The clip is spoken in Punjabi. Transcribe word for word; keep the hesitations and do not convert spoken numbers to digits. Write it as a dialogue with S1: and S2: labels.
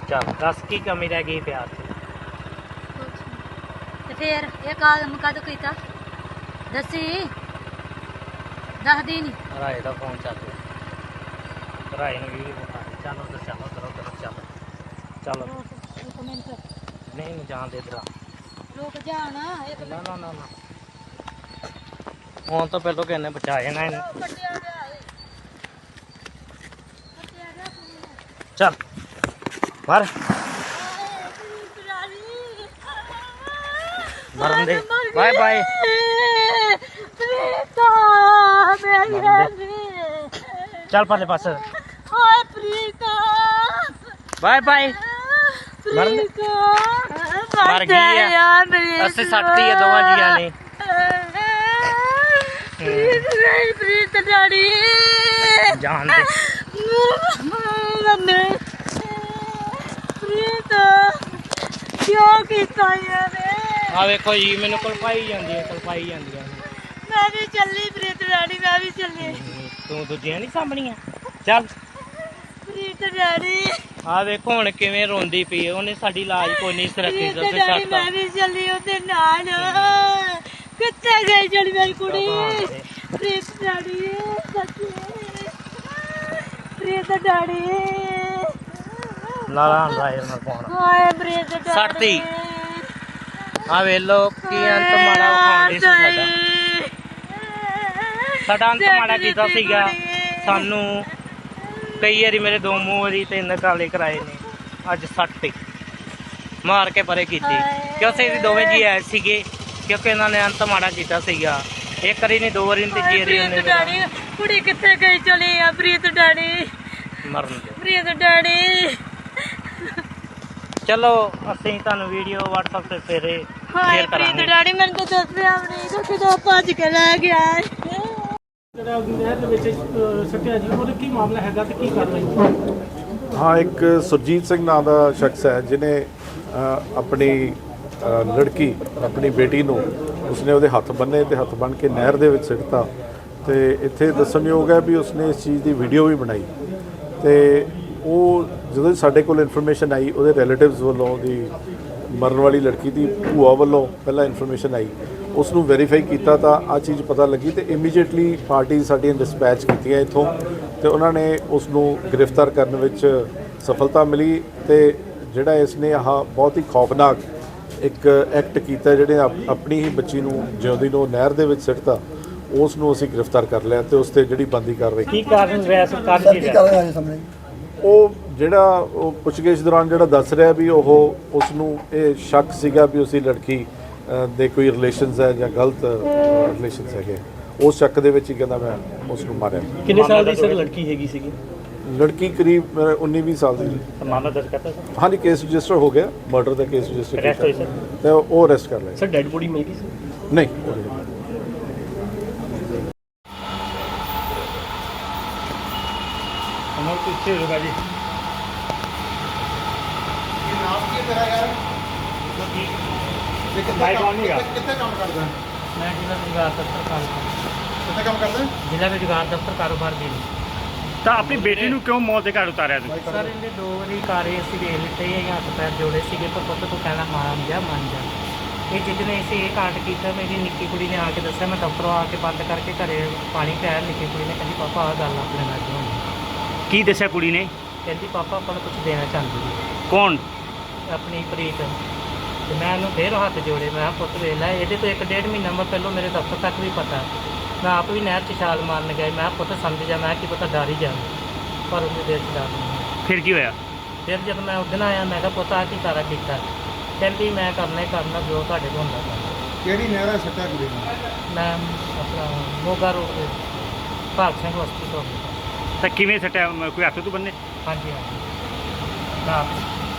S1: ਚੱਲ ਦੱਸ ਕੀ ਕਮੀ ਰਹਿ ਗਈ ਪਿਆਰ 'ਚ?
S2: ਤੇ ਫੇਰ ਇਹ ਕੰਮ ਕਦੋਂ ਕੀਤਾ ਦੱਸੀ ਦੱਸਦੀ ਨਹੀਂ।
S1: ਰਾਏ ਦਾ ਫੋਨ ਚੱਲ ਰਿਹਾ, ਰਾਏ ਨੂੰ ਵੀਡੀਓ ਵਿਖਾ ਦੇ। ਚੱਲ ਉਧਰ ਚੱਲ, ਉਧਰ ਉਧਰ ਚੱਲ ਚੱਲ।
S2: ਇੱਕ ਮਿੰਟ
S1: ਨਹੀਂ ਨੂੰ ਜਾਣ ਦੇ ਇਧਰ।
S2: ਰੁਕ ਜਾਣ ਇੱਕ
S1: ਨਾ ਨਾ ਨਾ ਨਾ ਫੋਨ ਤੋਂ ਪਹਿਲਾਂ ਕਿਹਨੇ ਬਚਾ ਜਾਣਾ ਇਹਨੂੰ।
S2: ਕੱਟਿਆ ਗਿਆ ਏ ਕੱਟਿਆ ਗਿਆ ਫੋਨ।
S1: ਚੱਲ ਮਰ ਮਰਨ ਦੇ। ਬਾਏ ਬਾਏ
S2: ਪ੍ਰੀਤਾ ਮੇਰੀ
S1: ਚੱਲ ਪਰਲੇ ਪਾਸੇ।
S2: ਹਾਏ ਪ੍ਰੀਤਾ
S1: ਬਾਏ ਬਾਏ। ਮਰਨ ਦੇ। ਮਰ ਗਈ ਆ। ਅਸੀਂ ਸੱਟਤੀ ਆ ਦੋਵਾਂ ਜੀਆਂ ਨੇ।
S2: ਪ੍ਰੀਤ ਪ੍ਰੀਤ ਡੈਡੀ
S1: ਜਾਣ ਦੇ।
S2: ਮੰਮੀ ਪ੍ਰੀਤ ਕਿਉਂ ਕੀਤਾ ਇਹਨੇ?
S1: ਆ ਵੇਖੋ ਜੀ ਮੈਨੂੰ ਕਲਪਾਈ ਜਾਂਦੀ ਹੈ, ਕਲਪਾਈ ਜਾਂਦੀਆਂ ਨੇ।
S2: ਮੈਂ ਵੀ ਚੱਲੀ ਪ੍ਰੀਤ ਡੈਡੀ ਮੈਂ ਵੀ ਚੱਲੀ।
S1: ਤੂੰ ਦੂਜੀਆਂ ਨਹੀਂ ਸਾਂਭਣੀਆਂ। ਚੱਲ
S2: ਪ੍ਰੀਤ ਡੈਡੀ
S1: ਆ ਵੇਖੋ ਹੁਣ ਕਿਵੇਂ ਰੋਂਦੀ ਪਈ ਹੈ। ਉਹਨੇ ਸਾਡੀ ਲਾਜ ਕੋਈ ਨਹੀਂ ਰੱਖੀ।
S2: ਪ੍ਰੀਤ ਡੈਡੀ ਮੈਂ ਵੀ ਚੱਲੀ ਉਹਦੇ ਨਾਲ। ਕਿੱਥੇ ਗਈ ਜਿਹੜੀ ਮੇਰੀ ਕੁੜੀ? ਪ੍ਰੀਤ ਡੈਡੀ ਸੱਚੀ ਪ੍ਰੀਤ ਡੈਡੀ
S1: ਲਾਲਾ ਰਾਏ ਨਾਲ ਫੋਨ
S2: ਹਾਏ ਪ੍ਰੀਤ ਡੈਡੀ
S1: ਸੱਟਤੀ। ਆ ਵੇਖ ਲੋ ਕੀ ਅੰਤ ਮਾੜਾ ਵਿਖਾਉਂਦੇ ਸੀ ਸਾਡਾ। ਸਾਡਾ ਅੰਤ ਮਾੜਾ ਕੀਤਾ ਸੀਗਾ। ਸਾਨੂੰ ਕਈ ਵਾਰੀ ਮੇਰੇ ਦੋ ਮੂੰਹ ਵਾਰੀ ਤਿੰਨ ਕਾਲੇ ਕਰਾਏ ਨੇ। ਅੱਜ ਸੱਟਤੀ ਮਾਰ ਕੇ ਪਰੇ ਕੀਤੀ ਕਿਉਂਕਿ ਅਸੀਂ ਦੋਵੇਂ ਜੀ ਆਏ ਸੀਗੇ। ਕਿਉਂਕਿ ਇਹਨਾਂ ਨੇ ਅੰਤ ਮਾੜਾ ਕੀਤਾ ਸੀਗਾ। ਇੱਕ ਵਾਰੀ ਨਹੀਂ, ਦੋ ਵਾਰੀ ਨਹੀਂ, ਤੀਜੀ ਵਾਰੀ ਉਹਨੇ
S2: ਡੈਡੀ ਕੁੜੀ ਕਿੱਥੇ ਗਈ ਚਲੀ ਆ? ਪ੍ਰੀਤ ਡੈਡੀ
S1: ਮਰਨ ਦੇ।
S2: ਪ੍ਰੀਤ ਡੈਡੀ
S1: ਚਲੋ ਅਸੀਂ ਤੁਹਾਨੂੰ ਵੀਡੀਓ WhatsApp ਤੇ ਫੇਰੇ
S2: ਹਾਏ
S1: ਸ਼ੇਅਰ
S2: ਪ੍ਰੀਤ
S1: ਕਰਾਂਗੇ।
S2: ਡੈਡੀ ਮੈਨੂੰ ਤਾਂ ਦੱਸਿਆ ਵੀ ਨਹੀਂ ਤਾਂ ਕਿਦੋਂ ਭੱਜ ਕੇ ਲੈ ਗਿਆ।
S3: ਜਿਹੜਾ ਨਹਿਰ ਦੇ ਵਿੱਚ ਸੱਟਿਆ ਜੀ, ਉਹਦਾ ਕੀ ਮਾਮਲਾ ਹੈਗਾ ਤੇ ਕੀ ਕਰ ਰਹੀ?
S4: ਹਾਂ, ਇੱਕ ਸੁਰਜੀਤ ਸਿੰਘ ਨਾਂ ਦਾ ਸ਼ਖਸ ਹੈ ਜਿਨੇ ਆਪਣੀ ਅ, ਲੜਕੀ ਆਪਣੀ ਬੇਟੀ ਨੂੰ ਉਸਨੇ ਉਹਦੇ ਹੱਥ ਬੰਨੇ ਤੇ ਹੱਥ ਬੰਨ ਕੇ ਨਹਿਰ ਦੇ ਵਿੱਚ ਸਿੱਟਤਾ। ਤੇ ਇੱਥੇ ਦੱਸਣਯੋਗ ਹੈ ਵੀ ਉਸਨੇ ਇਸ ਚੀਜ਼ ਦੀ ਵੀਡੀਓ ਵੀ ਬਣਾਈ। ਤੇ ਉਹ ਜਦੋਂ ਸਾਡੇ ਕੋਲ ਇਨਫੋਰਮੇਸ਼ਨ ਆਈ, ਉਹਦੇ ਰਿਲੇਟਿਵਸ ਵੱਲੋਂ ਉਹਦੀ ਮਰਨ ਵਾਲੀ ਲੜਕੀ ਦੀ ਭੂਆ ਵੱਲੋਂ ਪਹਿਲਾਂ ਇਨਫੋਰਮੇਸ਼ਨ ਆਈ, ਉਸ ਨੂੰ ਵੈਰੀਫਾਈ ਕੀਤਾ ਤਾਂ ਆ ਚੀਜ਼ ਪਤਾ ਲੱਗੀ। ਤੇ ਇਮੀਡੀਏਟਲੀ ਪਾਰਟੀ ਸਾਡੀਆਂ ਡਿਸਪੈਚ ਕੀਤੀਆਂ ਇੱਥੋਂ ਤੇ ਉਹਨਾਂ ਨੇ ਉਸ ਨੂੰ ਗ੍ਰਿਫਤਾਰ ਕਰਨ ਵਿੱਚ ਸਫਲਤਾ ਮਿਲੀ। ਤੇ ਜਿਹੜਾ ਇਸ ਨੇ ਆਹ ਬਹੁਤ ਹੀ ਖੌਫਨਾਕ ਇੱਕ ਐਕਟ ਕੀਤਾ, ਜਿਹੜੇ ਆਪਣੀ ਹੀ ਬੱਚੀ ਨੂੰ ਜਿਉਂਦੀ ਨੂੰ ਨਹਿਰ ਦੇ ਵਿੱਚ ਸਿੱਟਤਾ, ਉਸ ਨੂੰ ਅਸੀਂ ਗ੍ਰਿਫਤਾਰ ਕਰ ਲਿਆ ਤੇ ਉਸ ਤੇ ਜਿਹੜੀ ਬੰਦੀ ਕਾਰਵਾਈ
S1: ਕੀ ਕਾਰਨ ਵੈਸ ਕਰ ਕੀ ਰਿਹਾ?
S4: ਉਹ ਜਿਹੜਾ ਉਹ ਪੁੱਛਗਿੱਛ ਦੌਰਾਨ ਜਿਹੜਾ ਦੱਸ ਰਿਹਾ ਵੀ ਉਹ ਉਸ ਨੂੰ ਇਹ ਸ਼ੱਕ ਸੀਗਾ ਵੀ ਉਸਦੀ ਲੜਕੀ ਦੇ ਕੋਈ ਰਿਲੇਸ਼ਨਸ ਹੈ ਜਾਂ ਗਲਤ ਰਿਲੇਸ਼ਨਸ ਹੈਗੇ। ਉਸ ਸ਼ੱਕ ਦੇ ਵਿੱਚ ਹੀ ਕਹਿੰਦਾ ਮੈਂ ਉਸ ਨੂੰ ਮਾਰਿਆ।
S3: ਕਿੰਨੇ ਸਾਲ ਦੀ ਸਰ ਲੜਕੀ ਹੈਗੀ ਸੀਗੀ?
S4: ਲੜਕੀ ਕਰੀਬ ਉੱਨੀ ਵੀਹ ਸਾਲ ਦੀ।
S1: ਮਾਮਲਾ ਦਰਜ ਕਰਤਾ ਸਰ?
S4: ਹਾਂਜੀ, ਕੇਸ ਰਜਿਸਟਰ ਹੋ ਗਿਆ, ਮਰਡਰ ਦਾ ਕੇਸ ਰਜਿਸਟਰ
S1: ਅਰੈਸਟ ਹੋਈ ਸਰ?
S4: ਤੇ ਉਹ ਅਰੈਸਟ ਕਰ ਲਿਆ।
S3: ਸਰ ਡੈਡ ਬੋਡੀ ਮਿਲ ਗਈ ਸੀ?
S4: ਨਹੀਂ,
S1: ਹਮਰ ਪਿੱਛੇ ਹੋਗਾ ਜੀ।
S5: ਕਿੱਥੇ ਕੰਮ ਕਰਦਾ?
S1: ਮੈਂ ਜ਼ਿਲ੍ਹਾ ਰੁਜ਼ਗਾਰ ਦਫ਼ਤਰ ਕਾਰੋਬਾਰ
S5: ਕਿੱਥੇ ਕੰਮ ਕਰਦਾ?
S1: ਜ਼ਿਲ੍ਹਾ ਰੁਜ਼ਗਾਰ ਦਫ਼ਤਰ ਕਾਰੋਬਾਰ ਦੇ।
S3: ਤਾਂ ਆਪਣੀ ਬੇਟੀ ਨੂੰ ਕਿਉਂ ਮੌਤ ਦੇ ਘਾਟ ਉਤਾਰਿਆ ਤੁਸੀਂ?
S1: ਸਰ ਇਹਦੇ ਦੋ ਵਾਰੀ ਕਾਰੇ ਅਸੀਂ ਵੇਖ ਲਿੱਤੇ ਇਹ ਹੱਥ ਪੈਰ ਜੋੜੇ ਸੀਗੇ, ਪਰ ਪੁੱਤ ਤੂੰ ਕਹਿਣਾ ਮੰਨ ਜਾ ਮੰਨ ਜਾ। ਇਹ ਜਿੱਦਨੇ ਅਸੀਂ ਇਹ ਕਾਂਡ ਕੀਤਾ, ਮੇਰੀ ਨਿੱਕੀ ਕੁੜੀ ਨੇ ਆ ਕੇ ਦੱਸਿਆ। ਮੈਂ ਦਫ਼ਤਰੋਂ ਆ ਕੇ ਬੰਦ ਕਰਕੇ ਘਰੇ ਪਾਣੀ ਪਿਆਇਆ। ਨਿੱਕੀ ਕੁੜੀ ਨੇ ਕਹਿੰਦੀ ਪਾਪਾ ਆਹ ਗੱਲ ਆਪਣੇ ਨਾਲ ਕਿਉਂ ਹੋਈ?
S3: ਕੀ ਦੱਸਿਆ ਕੁੜੀ ਨੇ?
S1: ਕਹਿੰਦੀ ਪਾਪਾ ਆਪਾਂ ਨੂੰ ਕੁਝ ਦੇਣਾ ਚਾਹੁੰਦੀ ਹੈ
S3: ਕੌਣ?
S1: ਆਪਣੀ ਪ੍ਰੀਤ। ਤੇ ਮੈਂ ਉਹਨੂੰ ਫੇਰ ਹੱਥ ਜੋੜੇ। ਮੈਂ ਕਿਹਾ ਪੁੱਤ ਵੇਖ ਲੈ, ਇਹਦੇ ਤੋਂ ਇੱਕ ਡੇਢ ਮਹੀਨਾ ਮੈਂ ਪਹਿਲਾਂ ਮੇਰੇ ਦਫ਼ਤਰ ਤੱਕ ਵੀ ਪਤਾ। ਮੈਂ ਆਪ ਵੀ ਨਹਿਰ 'ਚ ਛਾਲ ਮਾਰਨ ਗਿਆ। ਮੈਂ ਕਿਹਾ ਪੁੱਤ ਸਮਝ ਜਾ, ਮੈਂ ਕੀ ਪਤਾ ਡਰ ਹੀ ਜਾ, ਪਰ ਉਹਦੇ ਦਿਲ 'ਚ ਡਰ ਨਹੀਂ।
S3: ਫਿਰ ਕੀ ਹੋਇਆ?
S1: ਫਿਰ ਜਦੋਂ ਮੈਂ ਉਦਣ ਆਇਆ ਮੈਂ ਕਿਹਾ ਪੁੱਤ ਆਹ ਕੀ ਸਾਰਾ ਕੀਤਾ? ਕਹਿੰਦੀ ਮੈਂ ਕਰਨਾ ਹੀ ਕਰਨਾ ਜੋ ਤੁਹਾਡੇ ਕੋਲ ਹੁੰਦਾ ਕਰਨਾ।
S5: ਕਿਹੜੀ ਨਹਿਰਾ ਸੱਟਿਆ ਕੁੜੀ ਨੂੰ?
S1: ਮੈਂ ਆਪਣਾ ਮੋਗਾ ਰੋਡ ਤੇ ਭਾਗ ਸਿੰਘ ਹਸਪੀਟਲ।
S3: ਤਾਂ ਕਿਵੇਂ ਸੱਟਿਆ? ਕੋਈ ਹੱਥ ਤੋਂ ਬੰਨੇ?
S1: ਹਾਂਜੀ ਹਾਂਜੀ। ਮੈਂ ਆਪ